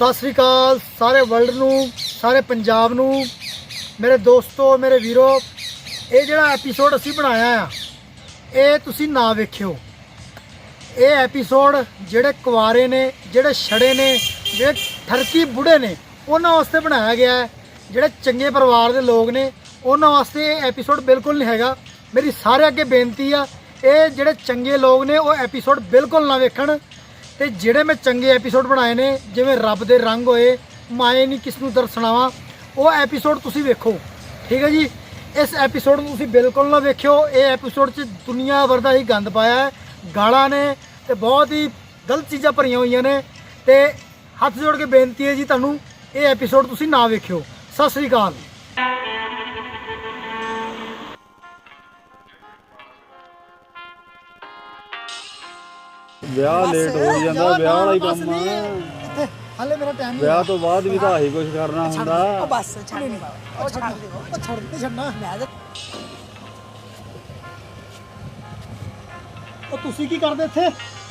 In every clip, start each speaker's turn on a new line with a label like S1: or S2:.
S1: सत श्री अकाल सारे वर्ल्ड नू, सारे पंजाब नू, मेरे दोस्तों, मेरे वीरो। ये जिहड़ा एपीसोड असी बनाया आ, ये तुसी ना वेखियो। ये एपीसोड जिहड़े कुआरे ने, जिहड़े छड़े ने, जिहड़े ठरकी बुढ़े ने, उन्हां वास्ते बनाया गया है। जिहड़े चंगे परिवार के लोग ने उन्हां वास्ते ये एपीसोड बिल्कुल नहीं हैगा। मेरी सारे अगे बेनती आ, ये जिहड़े चंगे लोग ने वो एपीसोड बिल्कुल ना वेखण। ते जिहड़े मैं चंगे एपीसोड बनाए ने, जिवें रब दे रंग होए, माए नहीं किस नूं दर्शनावा, वो एपीसोड तुसी वेखो, ठीक है जी। इस एपीसोड नूं तुसी बिल्कुल ना वेखियो। ये एपीसोड च दुनिया भर दा ही गंद पाया है, गालां ने ते बहुत ही गलत चीज़ां भरियां होईयां ने। ते हत्थ जोड़ के बेनती है जी तुहानूं, ये एपीसोड तुसी ना वेखियो। सत श्री अकाल।
S2: ਵਿਆਹ ਲੇਟ ਹੋ ਜਾਂਦਾ, ਵਿਆਹ ਵਾਲਾ ਹੀ ਕੰਮ ਆ।
S1: ਹਾਲੇ ਮੇਰਾ ਟਾਈਮ ਨਹੀਂ
S2: ਵਿਆਹ ਤੋਂ ਬਾਅਦ ਵੀ ਤਾਂ ਆਹੀ ਕੁਝ ਕਰਨਾ ਹੁੰਦਾ।
S1: ਬਸ ਛੱਡ ਉਹ ਛੱਡ ਦੇ, ਉਹ ਛੱਡ ਦੇ, ਛੱਡਣਾ ਉਹ ਤੁਸੀਂ ਕੀ ਕਰਦੇ ਇੱਥੇ?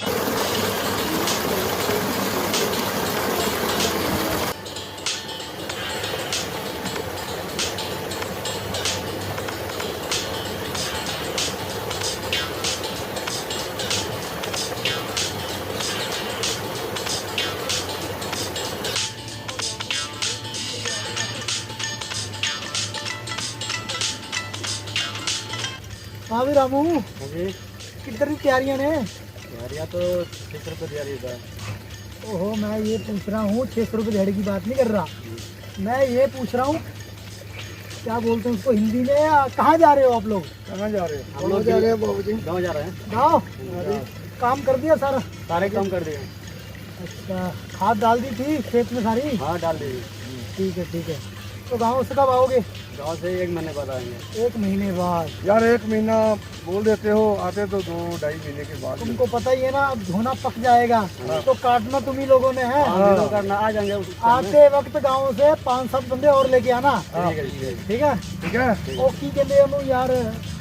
S1: हाँ भी रामू, किधर की तैयारियां ने?
S2: तैयारियां तो 600 रुपये तैयारी होता है।
S1: ओहो, मैं ये पूछ रहा हूँ 600 रुपये दिहाड़ी की बात नहीं कर रहा। मैं ये पूछ रहा हूँ, क्या बोलते हैं उसको हिंदी में, कहाँ जा रहे हो आप लोग?
S2: कहाँ जा रहे हैं?
S1: हम लोग जा रहे हैं बाबू जी,
S2: गाँव जा रहे हैं।
S1: गाँव काम कर दिया सारा?
S2: सारे काम कर दिए।
S1: अच्छा, खाद डाल दी थी खेत में सारी?
S2: हाँ डाल दी।
S1: ठीक है ठीक है। तो गाँव से कब आओगे?
S2: गाँव से 1 महीने बाद आएंगे।
S1: 1 महीने बाद?
S3: यार 1 महीना बोल देते हो, आते तो 2-2.5 महीने के बाद।
S1: तुमको पता ही है ना, अब धोना पक जाएगा तो काटना तुम ही लोगों ने है।
S2: हाँ, करना आ जाएंगे उस time में।
S1: आते वक्त गाँव से 5-7 बंदे और लेके आना,
S2: ठीक है, ठीक है।
S1: ठीक है?
S3: ठीक है।
S1: ਉਹ ਕੀ ਕਹਿੰਦੇ ਉਹਨੂੰ ਯਾਰ,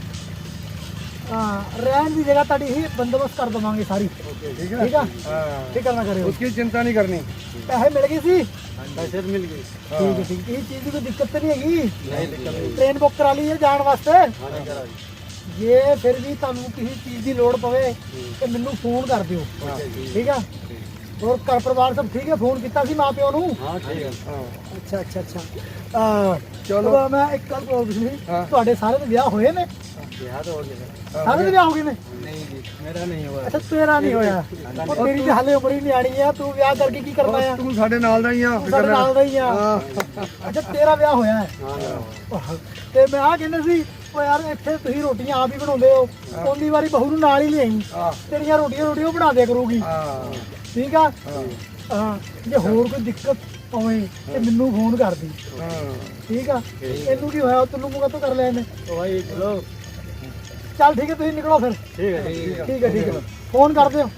S1: ਰਹਿਣ ਦੀ ਜਗ੍ਹਾ ਤੁਹਾਡੀ ਹੀ ਬੰਦੋਬਸਤ ਕਰ ਦਵਾਂਗੇ ਸਾਰੀ,
S3: ठीक है।
S1: ਠੀਕ ਆ?
S3: हाँ,
S1: ਫਿਕਰ ਨਾ ਕਰਿਓ।
S3: उसकी चिंता नहीं करनी।
S1: ਪੈਸੇ ਮਿਲ ਗਏ ਸੀ?
S2: पैसे तो मिल गए।
S1: ਠੀਕ ਹੈ ਠੀਕ। ਕਿਸੇ ਚੀਜ਼ ਦੀ ਕੋਈ ਦਿੱਕਤ ਤਾਂ ਨਹੀਂ ਹੈਗੀ?
S2: नहीं दिक्कत नहीं।
S1: ਟ੍ਰੇਨ ਬੁੱਕ ਕਰਾ ਲਈ ਹੈ ਜਾਣ ਵਾਸਤੇ?
S2: हाँ नहीं करा दी।
S1: ਜੇ ਫਿਰ ਵੀ ਤੁਹਾਨੂੰ ਕਿਸੇ ਚੀਜ਼ ਦੀ ਲੋੜ ਪਵੇ ਤੇ ਮੈਨੂੰ ਫੋਨ ਕਰ ਦਿਓ, ਠੀਕ ਆ? ਹੋਰ ਘਰ ਪਰਿਵਾਰ ਸਭ ਠੀਕ ਹੈ? ਫੋਨ ਕੀਤਾ ਸੀ ਮਾਂ ਪਿਓ ਨੂੰ?
S2: हाँ ठीक है।
S3: हाँ,
S1: ਅੱਛਾ ਅੱਛਾ ਅੱਛਾ।
S3: ਚਲੋ।
S1: ਚਲੋ ਮੈਂ ਇੱਕ ਗੱਲ ਪੁੱਛਣੀ, ਤੁਹਾਡੇ ਸਾਰੇ ਦੇ ਵਿਆਹ ਹੋਏ ਨੇ?
S2: बिहार तो हो गया।
S1: ਸਾਰੇ ਦੇ ਵਿਆਹ ਹੋ ਗਏ ਨੇ?
S2: नहीं जी, मेरा नहीं हुआ।
S1: ਅੱਛਾ ਤੇਰਾ ਨਹੀਂ ਹੋਇਆ? ਉਹ ਤੇਰੀ ਤੇ ਹਾਲੇ ਉਮਰ ਹੀ ਨਿਆਣੀ ਆ, ਤੂੰ ਵਿਆਹ ਕਰਕੇ ਕੀ ਕਰਨਾ ਆ?
S3: तू साढ़े नाल दा ही आ,
S1: ਤੂੰ ਸਾਡੇ ਨਾਲ ਦਾ ਹੀ ਆ। ਅੱਛਾ ਤੇਰਾ ਵਿਆਹ ਹੋਇਆ ਹੈ?
S2: हाँ
S1: ਤੇ ਮੈਂ ਆ ਕਹਿੰਦਾ ਸੀ, ਉਹ ਯਾਰ ਇੱਥੇ ਤੁਸੀਂ ਰੋਟੀਆਂ ਆਪ ਹੀ ਬਣਾਉਂਦੇ ਹੋ, ਉਹਦੀ ਵਾਰੀ ਬਹੂ ਨੂੰ ਨਾਲ ਹੀ ਲਿਆਈ, ਤੇਰੀਆਂ ਰੋਟੀਆਂ ਉਹ ਬਣਾ ਦਿਆ ਕਰੂਗੀ,
S3: हाँ,
S1: ਠੀਕ ਆ? ਹਾਂ, ਜੇ ਹੋਰ ਕੋਈ ਦਿੱਕਤ ਪਵੇ ਤੇ ਮੈਨੂੰ ਫੋਨ ਕਰ ਦੀ,
S3: हाँ।
S1: ਠੀਕ ਆ? ਇਹਨੂੰ ਕੀ ਹੋਇਆ, ਤੈਨੂੰ ਮੂੰਹ ਤੋਂ ਕਰ ਲਿਆ ਇਹਨੇ?
S2: तो भाई चलो।
S1: ਚੱਲ ਠੀਕ ਹੈ, ਤੁਸੀਂ ਨਿਕਲੋ ਫਿਰ।
S2: ठीक है, ठीक है।
S1: ਠੀਕ ਹੈ ਠੀਕ ਹੈ, ਫੋਨ ਕਰ ਦਿਓ।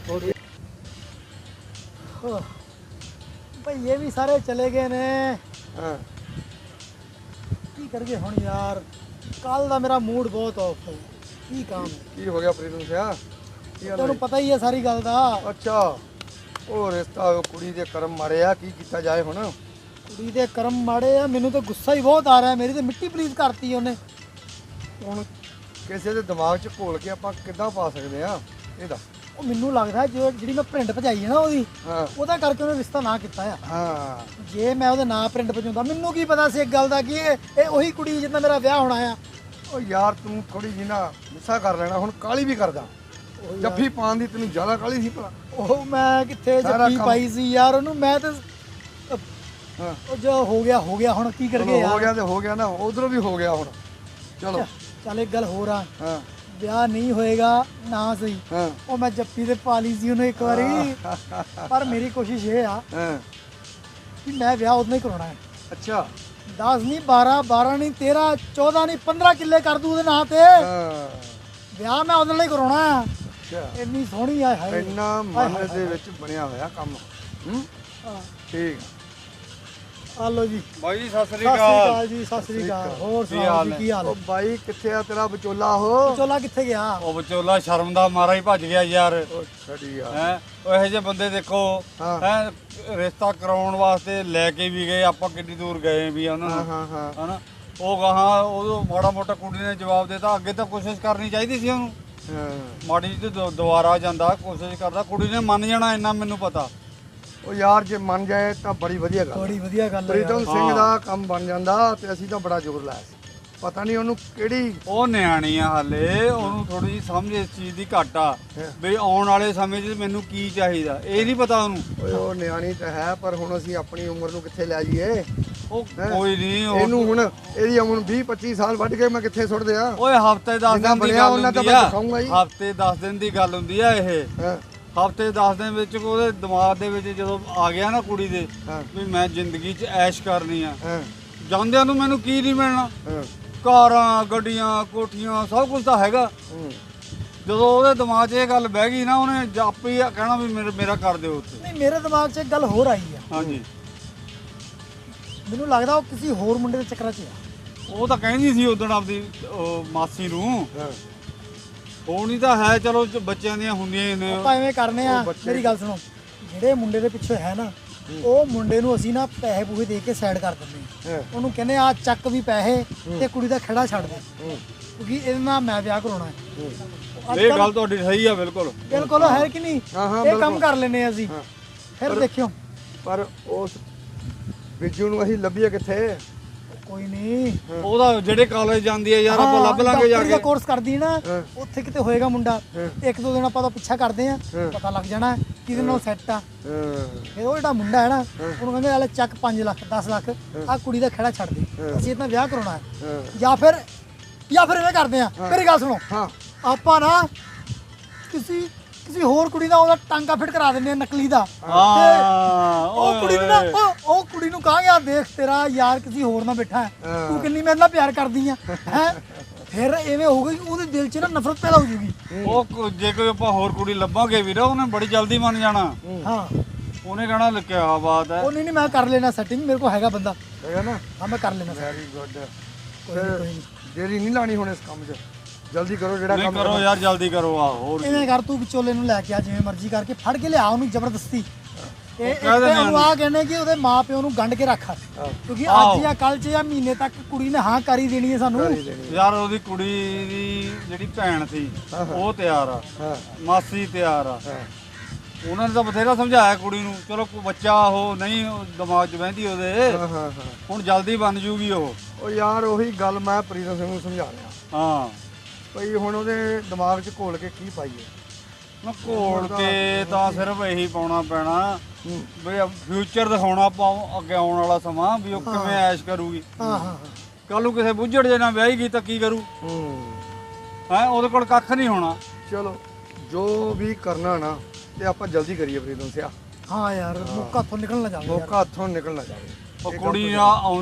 S1: ਭਾਈ ਇਹ ਵੀ ਸਾਰੇ ਚਲੇ ਗਏ ਨੇ,
S3: हाँ।
S1: ਕੀ ਕਰੀਏ ਹੁਣ ਯਾਰ? ਕੱਲ ਦਾ ਮੇਰਾ ਮੂਡ ਬਹੁਤ ਆਫ ਹੈ, ਕੀ ਕੰਮ ਹੈ?
S3: की हो गया प्रीतम सिया? की हाल
S1: ਤੁਹਾਨੂੰ
S3: है?
S1: ਪਤਾ ਹੀ ਹੈ ਸਾਰੀ ਗੱਲ ਦਾ।
S3: अच्छा, ਉਹ ਰਿਸ਼ਤਾ ਉਹ ਕੁੜੀ ਦੇ ਕਰਮ ਮਾਰੇ ਆ, ਕੀ ਕੀਤਾ ਜਾਏ ਹੁਣ?
S1: ਕੁੜੀ ਦੇ ਕਰਮ ਮਾੜੇ ਆ, ਮੈਨੂੰ ਤਾਂ ਗੁੱਸਾ ਹੀ ਬਹੁਤ ਆ ਰਿਹਾ। ਮੇਰੀ ਤੇ ਮਿੱਟੀ ਪਲੀਜ਼ ਕਰਤੀ ਉਹਨੇ।
S3: ਹੁਣ ਕਿਸੇ ਦੇ ਦਿਮਾਗ 'ਚ ਘੋਲ ਕੇ ਆਪਾਂ ਕਿੱਦਾਂ ਪਾ ਸਕਦੇ ਆ ਇਹਦਾ?
S1: ਉਹ ਮੈਨੂੰ ਲੱਗਦਾ ਜਿਹੜੀ ਮੈਂ ਪ੍ਰਿੰਟ ਭਜਾਈ ਹੈ ਨਾ ਉਹਦੀ,
S3: ਹਾਂ
S1: ਉਹਦਾ ਕਰਕੇ ਉਹਨੇ ਰਿਸ਼ਤਾ ਨਾ ਕੀਤਾ ਆ।
S3: ਹਾਂ।
S1: ਜੇ ਮੈਂ ਉਹਦੇ ਨਾਂ ਪ੍ਰਿੰਟ ਭਜਾਉਂਦਾ, ਮੈਨੂੰ ਕੀ ਪਤਾ ਸੀ ਇੱਕ ਗੱਲ ਦਾ ਕਿ ਇਹ ਉਹੀ ਕੁੜੀ ਜਿੱਦਾਂ ਮੇਰਾ ਵਿਆਹ ਹੋਣਾ ਆ।
S3: ਉਹ ਯਾਰ ਤੂੰ ਥੋੜੀ ਜਿਹੀ ਨਾ ਗੁੱਸਾ ਕਰ ਲੈਣਾ, ਹੁਣ ਕਾਲੀ ਵੀ ਕਰਦਾ। ਜੱਫੀ ਪਾਉਣ ਦੀ ਤੈਨੂੰ ਜ਼ਿਆਦਾ ਕਾਲੀ ਸੀ ਭਲਾ?
S1: ਉਹ ਮੈਂ ਕਿੱਥੇ
S3: ਸਾਰਾ
S1: ਜੱਫੀ
S3: ਕੰਮ-
S1: ਪਾਈ ਸੀ ਯਾਰ ਉਹਨੂੰ, ਮੈਂ ਤੇ
S3: ਹਾਂ,
S1: ਉਹ ਜੋ ਹੋ ਗਿਆ ਹੋ ਗਿਆ, ਹੁਣ ਕੀ
S3: ਚਲੋ
S1: ਕਰਗੇ
S3: ਹੋ
S1: ਯਾਰ?
S3: ਗਿਆ ਤੇ ਹੋ ਗਿਆ ਨਾ, ਉਧਰੋਂ ਵੀ ਹੋ ਗਿਆ ਹੁਣ। ਚਲੋ।
S1: ਚੱਲ ਇੱਕ ਗੱਲ ਹੋਰ ਆ,
S3: ਹਾਂ
S1: ਵਿਆਹ ਨਹੀਂ ਹੋਏਗਾ ਨਾ ਸਹੀ,
S3: ਹਾਂ
S1: ਉਹ ਮੈਂ ਜੱਫੀ ਤੇ ਪਾ ਲਈ ਸੀ ਉਹਨੂੰ ਇੱਕ ਵਾਰੀ, ਪਰ ਮੇਰੀ ਕੋਸ਼ਿਸ਼ ਇਹ ਆ
S3: ਹਾਂ।
S1: ਕਿ ਮੈਂ ਵਿਆਹ ਉਹਦੇ ਨਾਲ ਹੀ ਕਰਾਉਣਾ ਹੈ।
S3: ਅੱਛਾ।
S1: 10 ਨਹੀਂ 12 ਨਹੀਂ 13 14 ਨਹੀਂ 15 ਕਿੱਲੇ ਕਰ ਦੂ ਉਹਦੇ ਨਾਂ ਤੇ।
S3: ਹਾਂ।
S1: ਵਿਆਹ ਮੈਂ ਉਹਦੇ ਨਾਲ ਹੀ ਕਰਾਉਣਾ ਆ।
S3: ਅੱਛਾ,
S1: ਇੰਨੀ ਸੋਹਣੀ ਆ, ਹਾਏ
S3: ਇੰਨਾ ਮਨ ਦੇ ਵਿੱਚ ਬਣਿਆ ਹੋਇਆ ਕੰਮ। ਹੂੰ,
S1: ਹਾਂ।
S3: ਠੀਕ।
S1: ਹਾਲੋ ਜੀ
S2: ਬਾਈ ਜੀ ਸਤਿ ਸ੍ਰੀ
S1: ਸਤਿ ਸ੍ਰੀ
S2: ਅਕਾਲ।
S1: ਅਕਾਲ ਜੀ, ਸਤਿ ਸ੍ਰੀ ਅਕਾਲ। ਹੋਰ
S2: ਕੀ
S1: ਸੁਣਾਓ
S2: ਹਾਲ
S1: ਜੀ,
S2: ਹੈ?
S1: ਕੀ ਹਾਲ
S3: ਉਹ
S1: ਹੈ?
S3: ਬਾਈ ਕਿੱਥੇ ਆ ਤੇਰਾ ਵਿਚੋਲਾ ਉਹ?
S1: ਚੋਲਾ ਕਿੱਥੇ ਗਿਆ?
S2: ਉਹ ਵਿਚੋਲਾ ਸ਼ਰਮ ਦਾ ਮਾਰਾ ਹੀ ਭੱਜ ਗਿਆ ਯਾਰ।
S3: ਉਹ ਛੱਡੀ ਯਾਰ।
S2: ਹੈ ਉਹ ਇਹੋ ਜਿਹੇ ਬੰਦੇ ਦੇਖੋ
S3: ਹਾਂ।
S2: ਹੈ ਰਿਸ਼ਤਾ ਕਰਾਉਣ ਵਾਸਤੇ ਲੈ ਕੇ ਵੀ ਗਏ ਆਪਾਂ, ਕਿੰਨੀ ਦੂਰ ਗਏ ਵੀ ਆ ਉਹਨਾਂ
S3: ਹਾਂ
S2: ਨੂੰ
S3: ਹਾਂ ਹਾਂ
S2: ਹਨਾ। ਉਹ ਗਾਹਾਂ ਉਹ ਮਾੜਾ ਮੋਟਾ ਕੁੜੀ ਨੇ ਜਵਾਬ ਦੇਤਾ, ਅੱਗੇ ਤਾਂ ਕੋਸ਼ਿਸ਼ ਕਰਨੀ ਚਾਹੀਦੀ ਸੀ ਉਹਨੂੰ।
S3: ਹਾਂ।
S2: ਮਾੜੀ ਜਿਹੀ ਤੇ ਦੁਬਾਰਾ ਜਾਂਦਾ, ਕੋਸ਼ਿਸ਼ ਕਰਦਾ, ਕੁੜੀ ਨੇ ਮੰਨ ਜਾਣਾ ਇੰਨਾ ਮੈਨੂੰ ਪਤਾ।
S3: ਉਹ ਯਾਰ ਜੇ ਮੰਨ ਜਾਏ ਤਾਂ ਬੜੀ ਵਧੀਆ ਗੱਲ
S1: ਬੜੀ ਵਧੀਆ ਗੱਲ ਹੈ
S3: ਪ੍ਰੀਤਮ
S1: ਯਾਰ।
S3: ਸਿੰਘ
S2: ਹਾਂ।
S3: ਦਾ ਕੰਮ ਬਣ ਜਾਂਦਾ ਤੇ ਅਸੀਂ ਤਾਂ ਬੜਾ ਜ਼ੋਰ ਲਾਇਆ ਸੀ। ਪਤਾ ਨਹੀਂ ਉਹਨੂੰ ਕਿਹੜੀ
S2: ਉਹ ਨਿਆਣੀ ਆ ਹਾਲੇ, ਉਹਨੂੰ ਥੋੜੀ ਜਿਹੀ ਸਮਝ ਇਸ ਚੀਜ਼ ਦੀ ਘੱਟ ਆ
S3: ਹਾਂ।
S2: ਵੀ ਆਉਣ ਵਾਲੇ ਸਮੇਂ 'ਚ ਮੈਨੂੰ ਕੀ ਚਾਹੀਦਾ, ਇਹ ਨਹੀਂ ਪਤਾ ਉਹਨੂੰ।
S3: ਓਏ ਉਹ ਨਿਆਣੀ ਤਾਂ ਹੈ, ਪਰ ਹੁਣ ਅਸੀਂ ਆਪਣੀ ਉਮਰ ਨੂੰ ਕਿੱਥੇ ਲੈ ਜਾਈਏ?
S2: ਉਹ
S3: ਹੈਂ?
S2: ਕੋਈ ਨਹੀਂ
S3: ਇਹਨੂੰ ਹੁਣ ਇਹਦੀ ਉਮਰ 20-25 ਸਾਲ ਵੱਢ ਕੇ ਮੈਂ ਕਿੱਥੇ ਸੁੱਟ ਦਿਆਂ?
S2: ਓਏ ਹਫਤੇ 10
S3: ਜਿੰਨਾ
S2: ਦਿਨ ਦੀ
S3: ਬਣਿਆ
S2: ਗੱਲ
S3: ਉਹਨਾਂ ਤਾਂ
S2: ਹੁੰਦੀ
S3: ਮੈਂ
S2: ਆ।
S3: ਦਿਖਾਊਂਗਾ ਹੀ।
S2: ਹਫਤੇ 10 ਦਿਨ ਦੀ ਗੱਲ ਹੁੰਦੀ ਆ ਇਹ।
S3: ਹਾਂ
S2: ਹਫਤੇ 10 ਦਿਨ ਵਿੱਚ ਉਹਦੇ ਦਿਮਾਗ ਦੇ ਵਿੱਚ ਜਦੋਂ ਆ ਗਿਆ ਨਾ ਕੁੜੀ ਦੇ
S3: ਹਾਂ
S2: ਵੀ ਮੈਂ ਜ਼ਿੰਦਗੀ 'ਚ ਐਸ਼ ਕਰਨੀ ਆ,
S3: ਹਾਂ
S2: ਜਾਂਦਿਆਂ ਨੂੰ ਮੈਨੂੰ ਕੀ ਨਹੀਂ ਮਿਲਣਾ?
S3: ਹਾਂ
S2: ਕਾਰਾਂ, ਗੱਡੀਆਂ, ਕੋਠੀਆਂ, ਸਭ ਕੁਝ ਤਾਂ ਹੈਗਾ।
S3: ਹੂੰ।
S2: ਜਦੋਂ ਉਹਦੇ ਦਿਮਾਗ 'ਚ ਇਹ ਗੱਲ ਬਹਿ ਗਈ ਨਾ, ਉਹਨੇ ਜਾਪੀ ਕਹਿਣਾ ਵੀ ਮੇਰਾ ਕਰ ਦਿਓ ਉੱਥੇ।
S1: ਨਹੀਂ, ਮੇਰੇ ਦਿਮਾਗ 'ਚ ਇੱਕ ਗੱਲ ਹੋਰ ਆਈ ਆ।
S2: ਹਾਂਜੀ,
S1: ਮੈਨੂੰ ਲੱਗਦਾ ਉਹ ਕਿਸੇ ਹੋਰ ਮੁੰਡੇ ਦੇ ਚੱਕਰਾਂ 'ਚ ਆ।
S2: ਉਹ ਤਾਂ ਕਹਿੰਦੀ ਸੀ ਉਦੋਂ ਆਪਦੀ ਉਹ ਮਾਸੀ ਨੂੰ।
S3: ਹਾਂ
S2: ਹੋਣੀ ਤਾਂ ਹੈ, ਚਲੋ ਬੱਚਿਆਂ ਦੀਆਂ ਹੁੰਦੀਆਂ ਹੀ ਨੇ।
S1: ਆਪਾਂ ਐਵੇਂ ਕਰਨੇ ਆ,
S3: ਉਹ ਬੱਚੇ-
S1: ਮੇਰੀ ਗੱਲ ਸੁਣੋ। ਜਿਹੜੇ ਮੁੰਡੇ ਦੇ ਪਿੱਛੇ ਹੈ ਨਾ, ਉਹ ਮੁੰਡੇ ਨੂੰ ਅਸੀਂ ਨਾ ਪੈਸੇ ਪੂਸੇ ਦੇ ਕੇ ਸਾਈਡ ਕਰ ਦਿੰਦੇ ਆ।
S3: ਹਾਂ
S1: ਉਹਨੂੰ ਕਹਿੰਦੇ ਆ ਚੱਕ ਵੀ ਪੈਸੇ ਤੇ ਕੁੜੀ ਦਾ ਖੜਾ ਛੱਡ ਦੇ,
S3: ਹੂੰ,
S1: ਕਿਉਂਕਿ ਇਹਦੇ ਨਾਲ ਮੈਂ ਵਿਆਹ ਕਰਾਉਣਾ ਹੈ।
S3: ਹੂੰ।
S1: ਅੱਜ
S2: ਇਹ
S1: ਕੱਲ੍ਹ
S2: ਗੱਲ ਤੁਹਾਡੀ ਸਹੀ ਆ ਬਿਲਕੁਲ।
S1: ਬਿਲਕੁਲ ਹੈ ਕਿ ਨਹੀਂ?
S3: ਹਾਂ, ਹਾਂ,
S1: ਇਹ ਕੰਮ
S3: ਬਿਲਕੁਲ।
S1: ਕਰ ਲੈਨੇ ਆ ਅਸੀਂ।
S3: ਹਾਂ।
S1: ਫਿਰ ਦੇਖਿਓ,
S3: ਪਰ ਉਸ ਬਿੱਜੂ ਨੂੰ ਅਸੀਂ ਲੱਭੀਏ ਕਿੱਥੇ?
S1: ਕੋਈ ਨਹੀਂ।
S2: ਉਹਦਾ ਜਿਹੜੇ ਕਾਲਜ ਜਾਂਦੀ ਹੈ ਯਾਰ, ਆਪਾਂ ਲੱਭ ਲਾਂਗੇ ਜਾ
S1: ਡਾਕਟਰੀ ਦਾ
S2: ਕੇ।
S1: ਕੋਰਸ ਕਰਦੀ ਹੈ ਨਾ,
S3: ਹਾਂ।
S1: ਉੱਥੇ ਕਿਤੇ ਹੋਏਗਾ ਮੁੰਡਾ।
S3: ਹਾਂ।
S1: ਇੱਕ ਦੋ ਦਿਨ ਆਪਾਂ ਤਾਂ ਪਿੱਛਾ ਕਰਦੇ ਆ,
S3: ਹਾਂ।
S1: ਪਤਾ ਲੱਗ ਜਾਣਾ ਕਿਹਦੇ ਨਾਲ ਸੈੱਟ ਆ।
S3: ਹਾਂ
S1: ਫਿਰ ਉਹ ਜਿਹੜਾ ਮੁੰਡਾ ਹੈ ਨਾ, ਉਹਨੂੰ ਕਹਿੰਦੇ ਆਲੇ ਚੱਕ 5 ਲੱਖ 10 ਲੱਖ ਆ ਕੁੜੀ ਦਾ ਖੜਾ ਛੱਡ ਦੇ, ਅਸੀਂ ਇਹਦਾ ਵਿਆਹ ਕਰਾਉਣਾ ਹੈ।
S3: ਹਾਂ
S1: ਜਾਂ ਫਿਰ ਐਵੇਂ ਕਰਦੇ ਆ, ਮੇਰੀ ਗੱਲ ਸੁਣੋ।
S3: ਹਾਂ
S1: ਆਪਾਂ ਨਾ ਕਿਸੇ ਹੋਰ ਕੁੜੀ ਦਾ ਉਹਦਾ ਟਾਂਗਾ ਫਿੱਟ ਕਰਾ ਦਿੰਦੇ ਆ ਨਕਲੀ ਦਾ।
S2: ਹਾਂ,
S1: ਉਹ ਕੁੜੀ ਨੂੰ ਨਾ ਉਹ ਕੁੜੀ ਨੂੰ ਕਹਾਂਗੇ ਆ ਦੇਖ ਤੇਰਾ ਯਾਰ ਕਿਸੇ ਹੋਰ ਨਾਲ ਬੈਠਾ ਹੈ,
S3: ਹਾਂ।
S1: ਤੂੰ ਕਿੰਨੀ ਮੇਰੇ ਨਾਲ ਪਿਆਰ ਕਰਦੀ ਆ ਹੈ। ਫਿਰ ਐਵੇਂ ਹੋਊਗਾ ਕਿ ਉਹਦੇ ਦਿਲ 'ਚ ਨਾ ਨਫ਼ਰਤ ਪੈਦਾ ਹੋ ਜੂਗੀ।
S2: ਜੇ ਕੋਈ ਆਪਾਂ ਹੋਰ ਕੁੜੀ ਲੱਭਾਂਗੇ ਵੀਰ, ਉਹਨੇ ਬੜੀ ਜਲਦੀ ਮੰਨ ਜਾਣਾ।
S1: ਹਾਂ,
S2: ਉਹਨੇ ਕਹਿਣਾ ਲਿਖਿਆ ਬਾਤ ਹੈ।
S1: ਉਹ ਨਹੀਂ ਮੈਂ ਕਰ ਲੈਣਾ ਸੈਟਿੰਗ, ਮੇਰੇ ਕੋਲ ਹੈਗਾ ਬੰਦਾ।
S3: ਹੈਗਾ ਨਾ?
S1: ਹਾਂ, ਮੈਂ ਕਰ ਲੈਣਾ।
S3: Very good.
S1: ਕੋਈ ਨੀ, ਕੋਈ ਨੀ।
S3: ਦੇਰੀ ਨਹੀਂ ਲਾਣੀ ਹੁਣ ਇਸ ਕੰਮ 'ਚ, ਜਲਦੀ ਕਰੋ ਜਿਹੜਾ
S2: ਨਹੀਂ
S3: ਕੰਮ
S2: ਕਰੋ ਯਾਰ, ਜਲਦੀ ਕਰੋ। ਆ ਹੋਰ
S1: ਐਵੇਂ ਕਰ, ਤੂੰ ਵਿਚੋਲੇ ਨੂੰ ਲੈ ਕੇ ਆ, ਜਿਵੇਂ ਮਰਜ਼ੀ ਕਰਕੇ ਫੜ ਕੇ ਲਿਆ ਉਹਨੂੰ ਜ਼ਬਰਦਸਤੀ। ਇਹ
S2: ਕਹਿ ਦਿੰਦੇ
S1: ਉਹਨੂੰ ਆ ਕਹਿੰਦੇ ਕਿ ਉਹਦੇ ਮਾਪਿਓ ਨੂੰ ਗੰਢ ਕੇ ਰੱਖ, ਕਿਉਂਕਿ ਅੱਜ ਜਾਂ ਕੱਲ 'ਚ ਜਾਂ ਮਹੀਨੇ ਤੱਕ ਕੁੜੀ ਨੇ ਹਾਂ ਕਰ ਹੀ ਦੇਣੀ ਹੈ ਸਾਨੂੰ।
S3: ਕਰੀ ਦੇਣੀ।
S2: ਯਾਰ ਉਹਦੀ ਕੁੜੀ ਦੀ ਜਿਹੜੀ ਭੈਣ ਸੀ ਉਹ ਤਿਆਰ ਆ,
S3: ਹਾਂ
S2: ਮਾਸੀ ਤਿਆਰ ਆ।
S3: ਹਾਂ
S2: ਉਹਨਾਂ ਨੇ ਤਾਂ ਬਥੇਰਾ ਸਮਝਾਇਆ ਕੁੜੀ ਨੂੰ, ਚਲੋ ਕੋਈ ਬੱਚਾ ਉਹ ਨਹੀਂ ਦਿਮਾਗ 'ਚ ਬਹਿੰਦੀ ਉਹਦੇ।
S3: ਹਾਂ ਹਾਂ ਹਾਂ।
S2: ਹੁਣ ਜਲਦੀ ਬਣ ਜੂਗੀ ਉਹ।
S3: ਉਹ ਯਾਰ ਉਹੀ ਗੱਲ ਮੈਂ ਪ੍ਰੀਤਮ ਸਿੰਘ ਨੂੰ ਸਮਝਾ ਰਿਹਾ
S2: ਹਾਂ,
S3: ਭਈ ਹੁਣ ਉਹਦੇ ਦਿਮਾਗ 'ਚ ਘੋਲ ਕੇ ਕੀ ਪਾਈਏ?
S2: ਨਾ ਘੋਲ ਕੇ ਤਾਂ ਸਿਰਫ ਇਹੀ ਪਾਉਣਾ ਪੈਣਾ
S3: ਹੂੰ।
S2: ਵੀ ਫਿਊਚਰ ਦਿਖਾਉਣਾ ਆਪਾਂ, ਅੱਗੇ ਆਉਣ ਵਾਲਾ ਸਮਾਂ ਵੀ ਉਹ ਕਿਵੇਂ ਐਸ਼ ਕਰੂਗੀ।
S1: ਹਾਂ ਹਾਂ
S2: ਕੱਲ ਨੂੰ ਕਿਸੇ ਬੁੱਝੜ ਜੇ ਨਾਲ ਵਿਆਹੀ ਗਈ ਤਾਂ ਕੀ ਕਰੂ?
S3: ਹੂੰ।
S2: ਹੈ ਉਹਦੇ ਕੋਲ ਕੱਖ ਨਹੀਂ ਹੋਣਾ।
S3: ਚਲੋ ਜੋ ਵੀ ਕਰਨਾ ਨਾ ਤੇ ਆਪਾਂ ਜਲਦੀ ਕਰੀਏ ਪ੍ਰੀਤਮ ਸਿਆ,
S1: ਹਾਂ ਯਾਰ, ਮੌਕਾ ਹੱਥੋਂ ਨਿਕਲ ਨਾ ਜਾਵੇ ਯਾਰ।
S3: ਮੌਕਾ ਹੱਥੋਂ ਨਿਕਲ ਨਾ ਜਾਵੇ।
S2: ਉਹ ਕੁੜੀ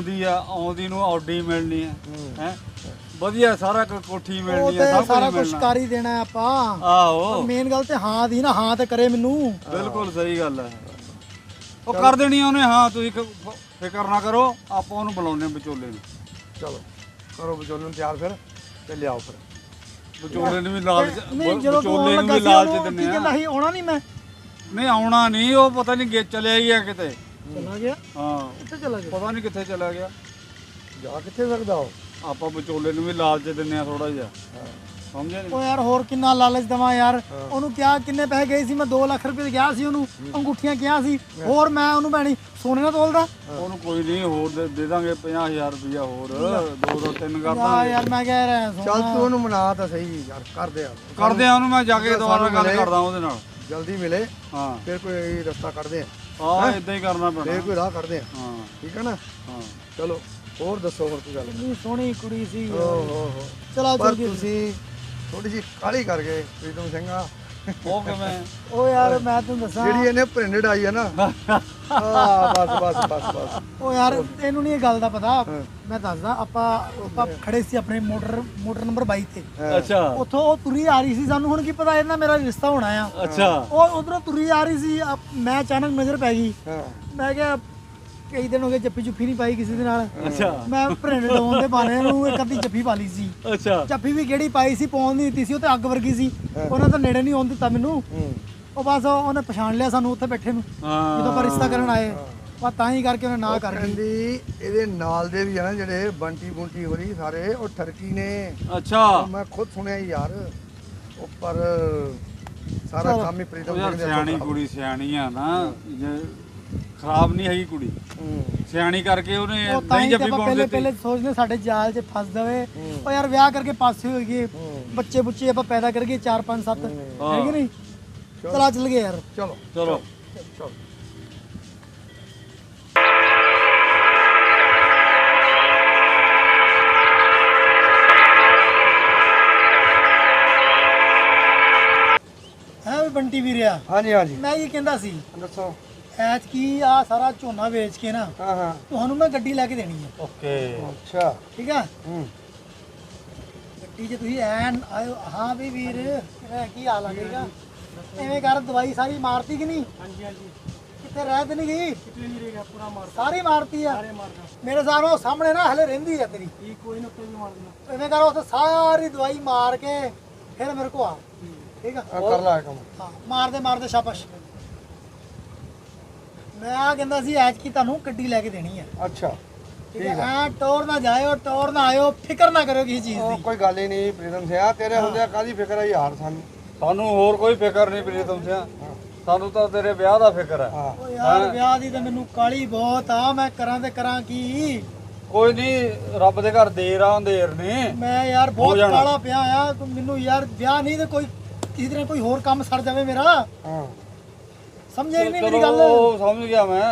S2: ਆਉਂਦੀ ਨੂੰ ਆਡੀ ਮਿਲਣੀ ਹੈ, ਹੈ ਵਧੀਆ ਸਾਰਾ ਕੁਝ, ਕੋਠੀ
S1: ਉਹ
S2: ਮਿਲਣੀ
S1: ਤੇ
S2: ਹੈ, ਸਭ
S1: ਸਾਰਾ
S2: ਕੁਝ
S1: ਕੁਝ
S2: ਮਿਲਣਾ।
S1: ਕਰ ਹੀ ਦੇਣਾ ਹੈ ਆਪਾਂ।
S2: ਆਹੋ
S1: ਮੇਨ ਗੱਲ ਤੇ ਹਾਂ ਦੀ ਨਾ, ਹਾਂ ਤੇ ਕਰੇ ਮੈਨੂੰ।
S2: ਬਿਲਕੁਲ ਸਹੀ ਗੱਲ ਹੈ। ਉਹ ਕਰ ਦੇਣੀ ਉਹਨੇ। ਹਾਂ, ਤੁਸੀਂ ਫਿਕਰ ਨਾ ਕਰੋ, ਆਪਾਂ ਉਹਨੂੰ ਬੁਲਾਉਣੇ ਵਿਚੋਲੇ ਨੂੰ।
S3: ਚਲੋ ਕਰੋ ਵਿਚੋਲੇ ਨੂੰ ਤਿਆਰ ਫਿਰ ਤੇ ਲਿਆਓ ਫਿਰ।
S2: ਵਿਚੋਲੇ ਨੂੰ ਵੀ ਲਾਲਚ,
S1: ਨਹੀਂ, ਜਦੋਂ ਤੂੰ
S2: ਵਿਚੋਲੇ
S1: ਆਉਣ
S2: ਨੂੰ
S1: ਲੱਗਾ
S2: ਵੀ
S1: ਸੀ
S2: ਲਾਲਚ
S1: ਉਹਨੂੰ
S2: ਦਿੰਦੇ
S1: ਕੀ ਕਹਿੰਦਾ
S2: ਆ।
S1: ਸੀ, ਆਉਣਾ ਨਹੀਂ ਮੈਂ।
S2: ਨਹੀਂ ਆਉਣਾ ਨਹੀਂ, ਉਹ ਪਤਾ ਨਹੀਂ ਚਲਿਆ ਗਿਆ ਕਿਤੇ।
S1: ਚਲਾ ਗਿਆ?
S2: ਹਾਂ,
S1: ਕਿੱਥੇ ਚਲਾ ਗਿਆ?
S2: ਪਤਾ ਨਹੀਂ ਕਿੱਥੇ ਚਲਾ ਗਿਆ।
S3: ਜਾ ਕਿੱਥੇ ਸਕਦਾ ਉਹ?
S2: ਆਪਾਂ ਵਿਚੋਲੇ ਨੂੰ ਵੀ ਲਾਲਚ ਦਿੰਦੇ ਆ ਥੋੜਾ ਜਿਹਾ, ਸਮਝਿਆ ਨਹੀਂ?
S1: ਉਹ ਯਾਰ ਹੋਰ ਕਿੰਨਾ ਲਾਲਚ ਦੇਵਾਂ ਯਾਰ। ਉਹਨੂੰ ਕਿਹਾ ਕਿੰਨੇ ਪੈਸੇ ਗਏ ਸੀ, ਮੈਂ 2 ਲੱਖ ਰੁਪਏ ਦੇ ਗਿਆ ਸੀ ਉਹਨੂੰ, ਅੰਗੂਠੀਆਂ ਕਿਹਾ ਸੀ। ਹੋਰ ਮੈਂ ਉਹਨੂੰ ਭੈਣੀ ਸੋਨੇ ਨਾਲ ਤੋਲਦਾ?
S2: ਉਹਨੂੰ ਕੋਈ ਨਹੀਂ, ਹੋਰ ਦੇ ਦਾਂਗੇ 50,000 ਰੁਪਇਆ ਹੋਰ, 2-3 ਕਰ
S1: ਯਾਰ
S2: ਦਾਂਗੇ।
S1: ਯਾਰ ਮੈਂ ਕਹਿ ਰਿਹਾ
S3: ਚੱਲ ਤੂੰ ਉਹਨੂੰ ਮਨਾ ਤਾਂ ਸਹੀ ਯਾਰ, ਕਰਦੇ ਆ
S2: ਕਰਦੇ ਆ ਉਹਨੂੰ, ਮੈਂ ਜਾ ਕੇ ਦੁਬਾਰਾ
S3: ਸਾਨੂੰ
S2: ਗੱਲ
S3: ਮਿਲੇ।
S2: ਕਰਦਾ ਉਹਦੇ ਨਾਲ।
S3: ਜਲਦੀ ਮਿਲੇ
S2: ਹਾਂ
S3: ਫਿਰ ਕੋਈ ਰਸਤਾ ਕੱਢਦੇ ਆ,
S2: ਹਾਂ, ਇਦਾਂ ਹੀ ਕਰਨਾ ਪੈਣਾ।
S3: ਫਿਰ ਕੋਈ ਰਾਹ ਕੱਢਦੇ ਆ,
S2: ਹਾਂ
S3: ਠੀਕ ਹੈ ਨਾ?
S2: ਹਾਂ,
S3: ਚਲੋ ਹੋਰ ਦੱਸੋ ਹੋਰ ਕੋਈ ਗੱਲ?
S1: ਕਿੰਨੀ ਸੋਹਣੀ ਕੁੜੀ ਸੀ।
S3: ਓ ਹੋ ਹੋ।
S1: ਚਲੋ
S3: ਪਰ
S1: ਜਲਦੀ।
S3: ਤੁਸੀਂ ਥੋੜੀ ਜਿਹੀ ਕਾਹਲੀ ਕਰ ਗਏ ਪ੍ਰੀਤਮ ਸਿੰਘਾ।
S2: ਉਹ ਕਿਵੇਂ?
S1: ਉਹ ਯਾਰ ਮੈਂ ਤੈਨੂੰ ਦੱਸਾਂ,
S3: ਜਿਹੜੀ ਇਹਨੇ ਪ੍ਰਿੰਟਡ ਆਈ ਹੈ ਨਾ, ਬਸ
S1: ਉਹ ਯਾਰ ਇਹਨੂੰ ਨਹੀਂ ਇਹ ਗੱਲ ਦਾ ਪਤਾ। ਮੈਂ ਦੱਸਦਾ, ਆਪਾਂ ਖੜੇ ਸੀ ਆਪਣੇ ਮੋਟਰ ਨੰਬਰ 22 ਤੇ।
S2: ਅੱਛਾ
S1: ਉੱਥੋਂ ਉਹ ਤੁਰੀ ਆ ਰਹੀ ਸੀ, ਸਾਨੂੰ ਹੁਣ ਕੀ ਪਤਾ ਇਹਦੇ ਨਾਲ ਮੇਰਾ ਰਿਸ਼ਤਾ ਹੋਣਾ ਆ।
S2: ਅੱਛਾ।
S1: ਉਹ ਉਧਰੋਂ ਤੁਰੀ ਆ ਰਹੀ ਸੀ, ਮੈਂ ਅਚਾਨਕ ਨਜ਼ਰ ਪੈ ਗਈ।
S3: ਹਾਂ
S1: ਮੈਂ ਕਿਹਾ ਕਈ ਦਿਨ ਹੋ ਗਏ ਜੱਫੀ ਜੁੱਫੀ ਨਹੀਂ ਪਾਈ ਕਿਸੇ ਦੇ ਨਾਲ।
S2: ਅੱਛਾ
S1: ਮੈਂ ਭਰਿੰਡ ਡਾਉਣ ਦੇ ਬਾਣੇ ਨੂੰ ਇੱਕ ਅੱਧੀ ਜੱਫੀ ਪਾ ਲਈ ਸੀ।
S2: ਅੱਛਾ
S1: ਜੱਫੀ ਵੀ ਕਿਹੜੀ ਪਾਈ ਸੀ, ਪਾਉਣ ਨਹੀਂ ਦਿੱਤੀ ਸੀ, ਉਹ ਤੇ ਅੱਗ ਵਰਗੀ ਸੀ। ਉਹਨਾਂ ਤਾਂ ਨੇੜੇ ਨਹੀਂ ਆਉਣ ਦਿੱਤਾ ਮੈਨੂੰ। ਉਹ ਬਸ ਉਹਨੇ ਪਛਾਣ ਲਿਆ ਸਾਨੂੰ ਉੱਥੇ ਬੈਠੇ ਨੂੰ, ਜਦੋਂ ਆਪਾਂ ਰਿਸ਼ਤਾ ਕਰਨ ਆਏ। ਬਸ ਤਾਂ ਹੀ ਕਰਕੇ ਉਹਨੇ ਨਾ ਕਰ ਦਿੱਤੀ।
S3: ਕਹਿੰਦੀ ਇਹਦੇ ਨਾਲ ਦੇ ਵੀ ਆ ਨਾ ਜਿਹੜੇ ਬੰਟੀ ਬੁੰਟੀ ਹੋ ਰਹੀ ਸਾਰੇ ਉਹ ਠਰਕੀ ਨੇ।
S2: ਅੱਛਾ
S3: ਮੈਂ ਖੁਦ ਸੁਣਿਆ ਯਾਰ, ਉੱਪਰ ਸਾਰਾ ਕੰਮ ਹੀ ਪ੍ਰੀਤਮ
S2: ਉਹ ਯਾਰ
S3: ਸਿੰਘ ਦੇ
S2: ਸਿਆਣੀ ਕੁੜੀ ਸਿਆਣੀ ਆ ਨਾ, ਜੇ ਖਰਾਬ ਨਹੀਂ ਹੈਗੀ ਕੁੜੀ, ਸਿਆਣੀ ਕਰਕੇ ਉਹਨੇ
S1: ਉਹ ਤਾਂ
S2: ਨਹੀਂ
S1: ਹੀ
S2: ਜੱਫੀ
S1: ਆਪਾਂ
S2: ਪਾਉਣ
S1: ਪਹਿਲੇ
S2: ਦਿੱਤੀ।
S1: ਪਹਿਲੇ ਸੋਚਦੇ ਸਾਡੇ ਜਾਲ 'ਚ ਫਸ ਜਾਵੇ। ਉਹ ਯਾਰ ਵਿਆਹ ਕਰਕੇ ਪਾਸੇ ਹੋ ਗਏ, ਬੱਚੇ ਬੁੱਚੇ ਆਪਾਂ ਪੈਦਾ ਕਰੀਏ 4 5 7, ਹੈ ਕਿ ਨਹੀਂ? ਚਲਾ ਚੱਲ ਗਏ ਯਾਰ।
S3: ਚਲੋ
S2: ਚਲੋ
S3: ਚਲੋ
S1: ਹੈ ਵੀ ਬੰਟੀ ਵੀਰਿਆ,
S3: ਹਾਂਜੀ ਹਾਂਜੀ
S1: ਮੈਂ ਇਹ ਕਹਿੰਦਾ ਸੀ
S3: ਦੱਸੋ।
S1: ਐਤਕੀ ਆ ਸਾਰਾ ਝੋਨਾ ਵੇਚ ਕੇ ਨਾ
S3: ਹਾਂ ਹਾਂ
S1: ਤੁਹਾਨੂੰ ਮੈਂ ਗੱਡੀ ਲੈ ਕੇ ਦੇਣੀ ਹੈ।
S2: ਓਕੇ
S3: ਅੱਛਾ
S1: ਠੀਕ ਆ? ਗੱਡੀ 'ਚ ਤੁਸੀਂ ਐਨ ਆਇਓ। ਹਾਂ ਵੀ ਵੀਰ ਮੇਰਾ ਕੀ ਹਾਲ ਆ ਜਾਏਗਾ? ਐਵੇਂ ਕਰ, ਦਵਾਈ ਸਾਰੀ ਮਾਰਤੀ ਕਿ ਨਹੀਂ? ਹਾਂਜੀ ਹਾਂਜੀ। ਕਿੱਥੇ ਰਹਿ ਤੇ ਨਹੀਂ ਗਈ? ਕਿਤੇ ਨਹੀਂ ਰਹੇਗਾ, ਪੂਰਾ ਮਾਰ ਸਾਰੀ ਮਾਰਤੀ ਆ। ਮੇਰੇ ਸਾਹਮਣੇ ਸਾਹਮਣੇ ਨਾ ਹਲੇ ਰਹਿੰਦੀ ਆ ਤੇਰੀ। ਕੋਈ ਨਾ ਕੋਈ ਮਾਰ ਦੇਣਾ। ਐਵੇਂ ਕਰ, ਉੱਥੇ ਸਾਰੀ ਦਵਾਈ ਮਾਰ ਕੇ ਫਿਰ ਮੇਰੇ ਕੋ ਆ। ਠੀਕ ਆ?
S3: ਕਰ ਲਾ ਕੰਮ।
S1: ਹਾਂ ਮਾਰਦੇ ਸ਼ਾਬਾਸ਼। ਮੈਂ ਆ ਕਹਿੰਦਾ ਸੀ ਐਤਕੀ ਤੁਹਾਨੂੰ ਗੱਡੀ ਲੈ ਕੇ ਦੇਣੀ ਆ।
S3: ਅੱਛਾ
S1: ਠੀਕ ਹੈ? ਐ ਟੋਰ ਨਾ ਜਾਇਓ, ਟੋਰ ਨਾ ਆਇਓ, ਫਿਕਰ ਨਾ ਕਰਿਓ ਕਿਸੇ ਚੀਜ਼
S3: ਉਹ
S1: ਦੀ।
S3: ਕੋਈ ਗੱਲ ਹੀ ਨਹੀਂ ਪ੍ਰੀਤਮ ਸਿਆ, ਤੇਰੇ ਹੁੰਦਿਆਂ ਕਾਹਦੀ ਫਿਕਰ ਹੈ ਯਾਰ ਸਾਨੂੰ।
S2: ਸਾਨੂੰ ਹੋਰ ਕੋਈ ਫਿਕਰ ਨਹੀਂ ਪ੍ਰੀਤਮ ਸਿਆ, ਸਾਨੂੰ ਤਾਂ ਤੇਰੇ ਵਿਆਹ ਦਾ ਫਿਕਰ ਹੈ।
S3: ਹਾਂ
S1: ਓ ਯਾਰ ਵਿਆਹ ਦੀ ਤਾਂ ਮੈਨੂੰ ਕਾਲੀ ਬਹੁਤ ਆ, ਮੈਂ ਕਰਾਂ ਤੇ ਕਰਾਂ ਕੀ?
S2: ਕੋਈ ਨਹੀਂ, ਰੱਬ ਦੇ ਘਰ ਦੇਰ ਆ ਅੰਧੇਰ ਨੇ।
S1: ਮੈਂ ਯਾਰ ਬਹੁਤ
S2: ਜਾਣਾ।
S1: ਕਾਲਾ ਪਿਆ ਆ। ਤੂੰ ਮੈਨੂੰ ਯਾਰ ਵਿਆਹ ਨਹੀਂ ਤੇ ਕੋਈ ਕਿਸੇ ਤਰ੍ਹਾਂ ਕੋਈ ਹੋਰ ਕੰਮ ਸੜ ਜਾਵੇ ਮੇਰਾ।
S3: ਹਾਂ
S1: ਸਮਝੇ ਨਹੀਂ ਮੇਰੀ
S2: ਚਲੋ,
S1: ਗੱਲ?
S2: ਉਹ ਸਮਝ ਗਿਆ ਮੈਂ।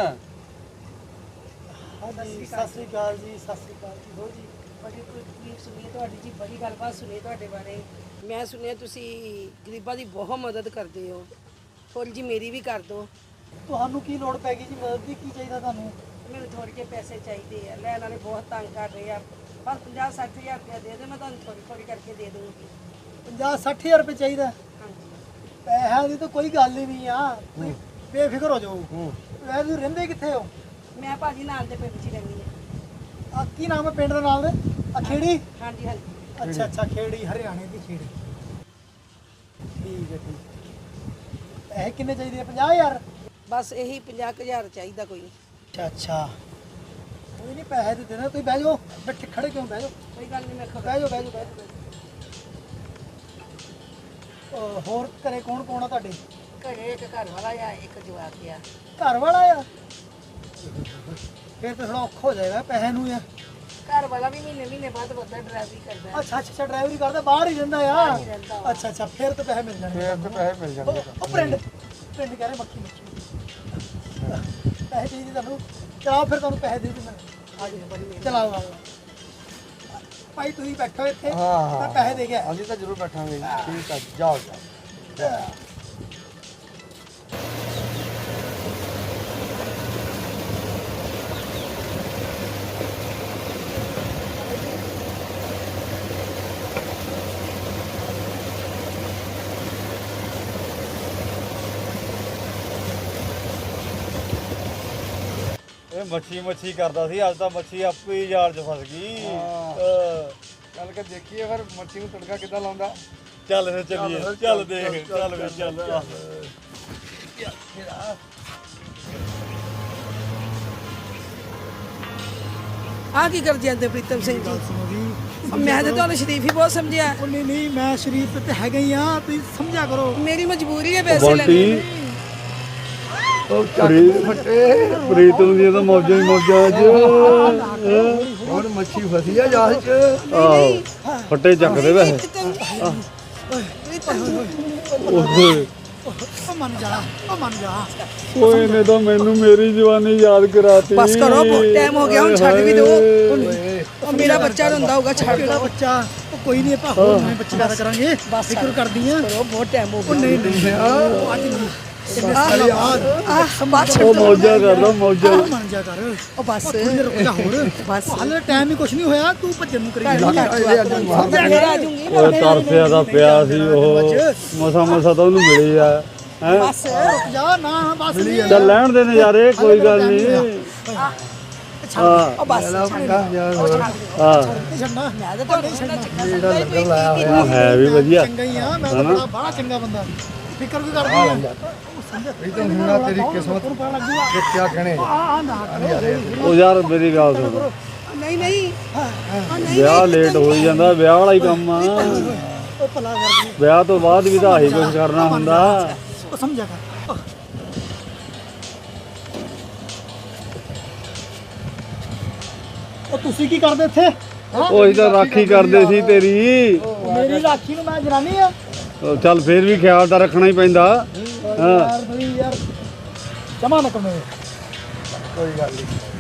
S1: ਹਾਂਜੀ ਸਤਿ ਸ੍ਰੀ ਅਕਾਲ ਜੀ, ਸਤਿ ਸ੍ਰੀ ਅਕਾਲ ਜੀ। ਹੋ ਜੀ
S4: ਬੜੀ ਤਕਲੀਫ ਸੁਣੀ ਤੁਹਾਡੀ ਜੀ, ਬੜੀ ਗੱਲਬਾਤ ਸੁਣੀ ਤੁਹਾਡੇ ਬਾਰੇ। ਮੈਂ ਸੁਣਿਆ ਤੁਸੀਂ ਗਰੀਬਾਂ ਦੀ ਬਹੁਤ ਮਦਦ ਕਰਦੇ ਹੋ, ਥੋੜੀ ਜੀ ਮੇਰੀ ਵੀ ਕਰ ਦਿਓ।
S1: ਤੁਹਾਨੂੰ ਕੀ ਲੋੜ ਪੈ ਗਈ ਜੀ ਮਦਦ ਦੀ? ਕੀ ਚਾਹੀਦਾ ਤੁਹਾਨੂੰ?
S4: ਮੈਨੂੰ ਥੋੜੇ ਜਿਹੇ ਪੈਸੇ ਚਾਹੀਦੇ ਆ, ਲੈਣ ਵਾਲੇ ਬਹੁਤ ਤੰਗ ਕਰ ਰਹੇ ਆ। ਬਸ 50-60 ਹਜ਼ਾਰ ਰੁਪਇਆ ਦੇ ਦੇ, ਮੈਂ ਤੁਹਾਨੂੰ ਥੋੜੀ ਥੋੜੀ ਕਰਕੇ ਦੇ ਦੂੰਗੀ।
S1: 50-60 ਹਜ਼ਾਰ ਰੁਪਏ ਚਾਹੀਦਾ?
S4: ਹਾਂਜੀ
S1: ਪੈਸਿਆਂ ਦੀ ਤਾਂ ਕੋਈ ਗੱਲ ਹੀ ਨਹੀਂ ਆ, ਤੁਸੀਂ ਬੇਫਿਕਰ ਹੋ ਜਾਓ। ਵੈਸੇ ਤੁਸੀਂ ਰਹਿੰਦੇ ਕਿੱਥੇ ਹੋ?
S4: ਮੈਂ ਭਾਜੀ ਨਾਲ ਦੇ ਪਿੰਡ 'ਚ ਹੀ ਰਹਿੰਦੀ ਹਾਂ।
S1: ਆ ਕੀ ਨਾਮ ਹੈ ਪਿੰਡ ਦਾ ਨਾਲ ਦੇ? ਖੇੜੀ?
S4: ਹਾਂਜੀ ਹਾਂਜੀ।
S1: ਅੱਛਾ ਅੱਛਾ, ਖੇੜੀ, ਹਰਿਆਣੇ ਦੀ ਖੇੜੀ। ਠੀਕ ਹੈ ਠੀਕ ਹੈ। ਇਹ ਕਿੰਨੇ ਚਾਹੀਦੇ ਆ? 50,000?
S4: ਬਸ ਇਹੀ 50,000 ਚਾਹੀਦਾ ਕੋਈ ਨਹੀਂ।
S1: ਅੱਛਾ ਅੱਛਾ, ਕੋਈ ਨਹੀਂ, ਪੈਸੇ ਦੇ ਦੇਣਾ। ਤੁਸੀਂ ਬਹਿ ਜਾਓ, ਬੈਠੇ ਖੜੇ ਕਿਉਂ? ਬਹਿ ਜਾਓ
S4: ਕੋਈ ਗੱਲ ਨਹੀਂ, ਮੈਂ ਖਬਰ।
S1: ਬਹਿ ਜਾਓ ਬਹਿ ਜਾਓ ਬਹਿ ਜਾਓ। ਹੋਰ ਘਰੇ ਕੌਣ ਕੌਣ ਆ ਤੁਹਾਡੇ?
S4: ਘਰੇ ਇੱਕ ਘਰ ਵਾਲਾ ਆ, ਇੱਕ ਜਵਾਕ ਆ।
S1: ਘਰ ਵਾਲਾ ਆ? ਫਿਰ ਤਾਂ ਥੋੜਾ ਔਖਾ ਹੋ ਜਾਏਗਾ ਪੈਸੇ ਨੂੰ ਯਾਰ।
S4: ਘਰ ਵਾਲਾ ਵੀ ਮਹੀਨੇ ਬਾਅਦ ਵੱਧਾ ਡਰਾਈਵਰੀ ਕਰਦਾ ਹੈ।
S1: ਅੱਛਾ ਅੱਛਾ, ਡਰਾਈਵਰੀ ਕਰਦਾ, ਬਾਹਰ ਹੀ ਰਹਿੰਦਾ ਆ? ਅੱਛਾ ਅੱਛਾ, ਫਿਰ ਤਾਂ ਪੈਸੇ ਮਿਲ ਜਾਣਗੇ।
S3: ਫੇਰ ਤੇ ਪੈਸੇ ਮਿਲ ਜਾਣਗੇ।
S1: ਉਹ ਪਿੰਡ ਪਿੰਡ ਕਹਿ ਰਹੇ ਮੱਖੀ ਪੈਸੇ ਚਾਹੀਦੇ ਤੁਹਾਨੂੰ? ਚਲਾਓ ਫਿਰ, ਤੁਹਾਨੂੰ ਪੈਸੇ ਦੇ ਦਿੰਦਾ। ਆ ਜਾਓ, ਚਲਾਓ ਆ ਜਾਓ। ਭਾਈ ਤੁਸੀਂ ਬੈਠੋ ਇੱਥੇ,
S3: ਹਾਂ
S1: ਮੈਂ ਪੈਸੇ ਦੇ ਗਿਆ।
S3: ਅਸੀਂ ਤਾਂ ਜ਼ਰੂਰ ਬੈਠਾਂਗੇ। ਠੀਕ ਆ, ਜਾਓ ਜਾਓ।
S2: ਇਹ ਮੱਛੀ ਕਰਦਾ ਸੀ, ਅੱਜ ਤਾਂ ਮੱਛੀ ਆਪੇ ਹੀ ਜਾਲ 'ਚ ਫਸ ਗਈ।
S3: ਚੱਲ ਕੇ ਦੇਖੀਏ ਫਿਰ ਮੱਛੀ ਨੂੰ ਤੜਕਾ ਕਿੱਦਾਂ ਲਾਉਂਦਾ।
S2: ਚੱਲ ਫਿਰ ਚੱਲੀਏ, ਚੱਲ ਦੇਖ, ਚੱਲ ਵੀ ਚੱਲ।
S4: ਆਹ ਕੀ ਕਰ ਜਾਂਦੇ ਪ੍ਰੀਤਮ ਸਿੰਘ ਜੀ?
S1: ਸੁਣੋ ਜੀ,
S4: ਮੈਂ ਤਾਂ ਤੁਹਾਨੂੰ ਸ਼ਰੀਫ ਹੀ ਬਹੁਤ ਸਮਝਿਆ।
S1: ਉਹ ਨਹੀਂ ਨਹੀਂ, ਮੈਂ ਸ਼ਰੀਫ ਤੇ ਹੈਗਾ ਹੀ ਆ, ਤੁਸੀਂ ਸਮਝਿਆ ਕਰੋ।
S4: ਮੇਰੀ ਮਜਬੂਰੀ ਹੈ ਪੈਸੇ ਲੈਣੇ।
S2: ਪ੍ਰੀਤਮ ਦੀ ਤਾਂ ਮੌਜਾਂ ਹੀ ਮੌਜਾਂ ਅੱਜ।
S3: ਹੋਰ ਮੱਛੀ ਫਸੀ ਆ ਜਾਲ 'ਚ।
S2: ਫੱਟੇ ਚੱਕਦੇ ਵੈਸੇ।
S1: ਉਹ ਮੰਨ ਜਾ, ਉਹ ਮੰਨ ਜਾ।
S2: ਓਏ ਨੇ ਤਾਂ ਮੈਨੂੰ ਮੇਰੀ ਜਵਾਨੀ ਯਾਦ ਕਰਾਤੀ।
S4: ਬਸ ਕਰੋ, ਬਹੁਤ ਟਾਈਮ ਹੋ ਗਿਆ, ਹੁਣ ਛੱਡ ਵੀ ਦਿਓ। ਉਹ ਮੇਰਾ ਬੱਚਾ ਰੋਂਦਾ ਹੋਊਗਾ, ਛੱਡ
S1: ਕਿਹੜਾ
S4: ਦਿਓ।
S1: ਬੱਚਾ? ਉਹ ਕੋਈ ਨਹੀਂ, ਆਪਾਂ ਹੋਰ ਨਵੇਂ ਬੱਚੇ ਪੈਦਾ ਕਰਾਂਗੇ।
S4: ਬਸ
S1: ਫਿਕਰ ਕਰਦੀ ਆ।
S4: ਕਰੋ, ਬਹੁਤ ਟਾਈਮ ਹੋ
S1: ਉਹ
S4: ਗਿਆ।
S1: ਨਹੀਂ ਨਹੀਂ, ਉਹ ਅੱਜ ਨਹੀਂ, ਇੰਨੇ ਸਾਲਾਂ ਬਾਅਦ।
S4: ਬਾਤ ਛੱਡ
S2: ਉਹ
S4: ਦਿਓ।
S2: ਮੌਜਾਂ ਕਰਦਾ ਮੌਜਾਂ।
S1: ਉਹ ਮੰਨ ਜਾ ਕਰ।
S4: ਉਹ ਬਸ
S1: ਥੋੜੀ ਦੇਰ ਰੁਕ ਜਾ ਹੋਰ।
S4: ਬਸ।
S1: ਹਾਲੇ ਟਾਈਮ ਹੀ ਕੁਛ ਨਹੀਂ ਹੋਇਆ, ਤੂੰ ਭੱਜਣ ਨੂੰ ਕਰੀ
S4: ਮੈਂ
S1: ਜਾਂਦੀ ਆ।
S4: ਫੇਰ ਆ ਜਾਊਂਗੀ।
S2: ਓਏ ਤਰਸਿਆ ਦਾ ਪਿਆ ਸੀ ਉਹ, ਮਸਾ ਤਾਂ ਉਹਨੂੰ ਮਿਲੀ ਆ। ਹੈਂ?
S4: ਬਸ
S1: ਰੁਕ ਜਾ ਨਾ, ਬਸ ਨਹੀਂ।
S2: ਚੱਲ ਲੈਣ ਦੇ ਨਜ਼ਾਰੇ, ਕੋਈ ਗੱਲ ਨਹੀਂ।
S4: ਉਹ ਬਸ
S1: ਹਾਂ
S4: ਛੱਡਣਾ ਮੈਂ ਤਾਂ ਤੁਹਾਨੂੰ ਛੱਡਣਾ
S2: ਉਹ ਹੈ ਵੀ ਵਧੀਆ
S1: ਚੰਗਾ ਹੀ ਆ ਮੈਂ ਤਾਂ ਬੜਾ ਚੰਗਾ ਬੰਦਾ ਫਿਕਰ ਵੀ ਕਰਦੀ ਆ
S3: ਵੀ ਤਾਂ ਹੁਣ ਤੇਰੀ ਕਿਸਮਤ ਕਿ ਕਿਆ ਕਹਿਣੇ
S2: ਉਹ ਯਾਰ ਮੇਰੀ ਗੱਲ ਸੁਣ
S4: ਨਹੀਂ ਨਹੀਂ
S2: ਵਿਆਹ ਲੇਟ ਹੋ ਹੀ ਜਾਂਦਾ ਵਿਆਹ ਵਾਲਾ ਹੀ ਕੰਮ ਆ
S1: ਉਹ ਭਲਾ ਕਰਦੀ
S2: ਵਿਆਹ ਤੋਂ ਬਾਅਦ ਵੀ ਤਾਂ ਆਹੀ ਕੁਝ ਕਰਨਾ ਹੁੰਦਾ
S1: ਉਹ ਸਮਝਿਆ ਕਰ ਉਹ ਤੁਸੀਂ ਕੀ ਕਰਦੇ ਇੱਥੇ
S2: ਉਹ ਅਸੀਂ ਤਾਂ ਰਾਖੀ ਕਰਦੇ ਸੀ ਤੇਰੀ
S1: ਮੇਰੀ ਰਾਖੀ ਨੂੰ ਮੈਂ ਜਨਾਨੀ ਆ
S2: ਉਹ ਚੱਲ ਫੇਰ ਵੀ ਖਿਆਲ ਤਾਂ ਰੱਖਣਾ ਹੀ ਪੈਂਦਾ ਹਾਂ
S1: ਯਾਰ ਬਈ ਯਾਰ ਜਮਾ ਨਾ ਕਰਨੇ
S3: ਕੋਈ ਗੱਲ ਨਹੀਂ